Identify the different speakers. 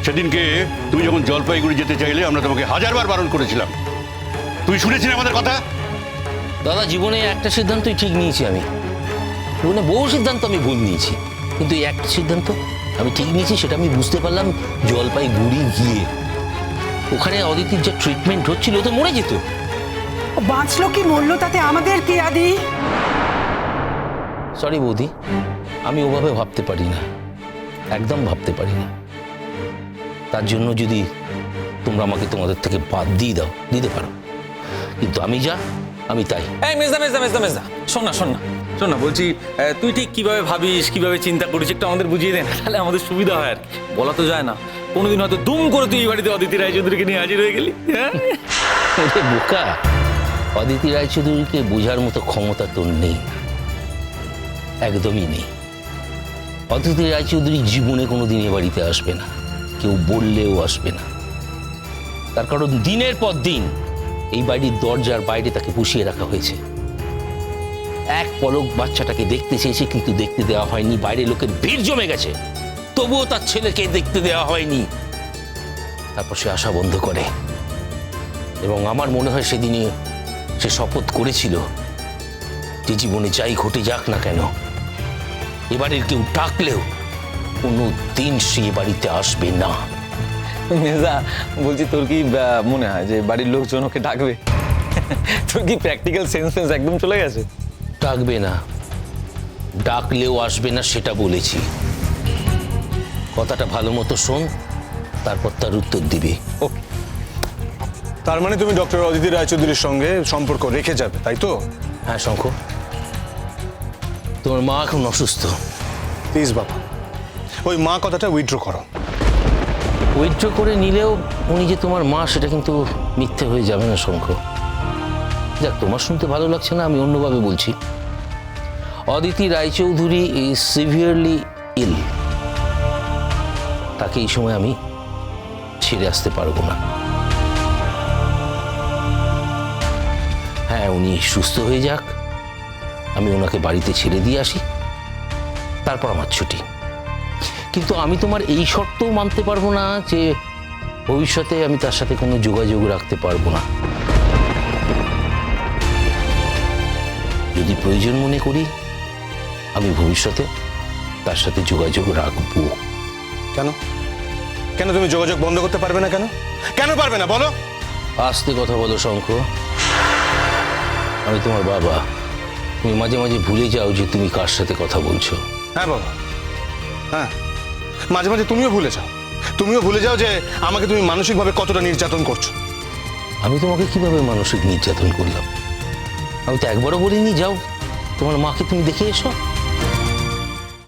Speaker 1: সেদিনকে তুমি যখন জলপাইগুড়ি যেতে চাইলে আমরা তোমাকে হাজারবার বারণ করেছিলাম, তুই শুনেছিলি আমাদের কথা?
Speaker 2: দাদা, জীবনে একটা সিদ্ধান্তই ঠিক নিয়েছি আমি। জীবনে বহু সিদ্ধান্ত আমি ভুল নিয়েছি, কিন্তু এই একটা সিদ্ধান্ত আমি ঠিক নিয়েছি, সেটা আমি বুঝতে পারলাম জলপাইগুড়ি গিয়ে। ওখানে অদিতির যে ট্রিটমেন্ট হচ্ছিল, ও তো মরে যেত।
Speaker 3: ও বাঁচলো কি মরলো তাতে আমাদের কি আদি?
Speaker 2: সরি বৌদি, আমি ওভাবে ভাবতে পারি না, একদম ভাবতে পারি না। তার জন্য যদি তোমরা আমাকে তোমাদের থেকে বাদ দিয়ে দাও, দিতে পারো, কিন্তু আমি যা আমি তাই।
Speaker 4: এই মেজদা মেজদা মেজদা মেজদা, শোন না শোন না শোন না, বলছি তুই ঠিক কিভাবে ভাবিস, কিভাবে চিন্তা করিস, একটু আমাদের বুঝিয়ে দে না, তাহলে আমাদের সুবিধা হয় আর কি। বলা তো যায় না, কোনোদিন হয়তো দুম করে তুই এই বাড়িতে অদিতি রায়চৌধুরীকে নিয়ে হাজির হয়ে গেলি। হ্যাঁ
Speaker 2: ওরে বোকা, অদিতি রায়চৌধুরীকে বোঝার মতো ক্ষমতা তোর নেই, একদমই নেই। অদিতি রায়চৌধুরী জীবনে কোনোদিন এ বাড়িতে আসবে না, কেউ বললেও আসবে না। তার কারণ দিনের পর দিন এই বাড়ির দরজার বাইরে তাকে পুষিয়ে রাখা হয়েছে। এক পলক বাচ্চাটাকে দেখতে চেয়েছে, কিন্তু দেখতে দেওয়া হয়নি। বাইরে লোকের ভিড় জমে গেছে, তবুও তার ছেলেকে দেখতে দেওয়া হয়নি। তারপর সে আসা বন্ধ করে, এবং আমার মনে হয় সেদিনে সে শপথ করেছিল যে জীবনে যাই ঘটে যাক না কেন, এবারের কেউ ডাকলেও কোনো দিন সে বাড়িতে আসবে না।
Speaker 4: মেজদা, বলছি তোর কি মনে হয় যে বাড়ির লোকজন ওকে ডাকবে? তোর কি প্র্যাকটিক্যাল সেন্স একদম চলে গেছে?
Speaker 2: ডাকবে না, ডাকলেও আসবে না সেটা বলেছি। কথাটা ভালো মতো শোন, তারপর তার উত্তর দিবি।
Speaker 4: ওকে।
Speaker 5: তার মানে তুমি ডক্টর অদিতি রায়চৌধুরীর সঙ্গে সম্পর্ক রেখে যাবে, তাই তো?
Speaker 2: হ্যাঁ শঙ্খ, তোমার মা এখন অসুস্থ।
Speaker 5: প্লিজ বাবা, ওই মা কথাটা উইথড্র করো।
Speaker 2: উইথড্র করে নিলেও উনি যে তোমার মা সেটা কিন্তু মিথ্যে হয়ে যাবে না শঙ্খ। যাক, তোমার শুনতে ভালো লাগছে না, আমি অন্যভাবে বলছি। Aditi Roychowdhury is severely ill. তাকে এই সময় আমি ছেড়ে আসতে পারবো না। হ্যাঁ, উনি সুস্থ হয়ে যাক, আমি ওনাকে বাড়িতে ছেড়ে দিয়ে আসি, তারপর আমার ছুটি। কিন্তু আমি তোমার এই শর্তও মানতে পারবো না যে ভবিষ্যতে আমি তার সাথে কোনো যোগাযোগ রাখতে পারবো না। যদি প্রয়োজন মনে করি, আমি ভবিষ্যতে তার সাথে যোগাযোগ রাখবো।
Speaker 5: কেন? কেন তুমি যোগাযোগ বন্ধ করতে পারবে না? কেন কেন পারবে না বলো?
Speaker 2: আস্তে কথা বলো শঙ্খ, আমি তোমার বাবা। তুমি মাঝে মাঝে ভুলে যাও যে তুমি কার সাথে কথা বলছো।
Speaker 5: হ্যাঁ বাবা, হ্যাঁ, মাঝে মাঝে তুমিও ভুলে যাও যে আমাকে তুমি মানসিকভাবে কতটা নির্যাতন করছো।
Speaker 2: আমি তোমাকে কিভাবে মানসিক নির্যাতন করলাম? আমি তো একবারও বলিনি যাও তোমার মাকে তুমি দেখে এসো।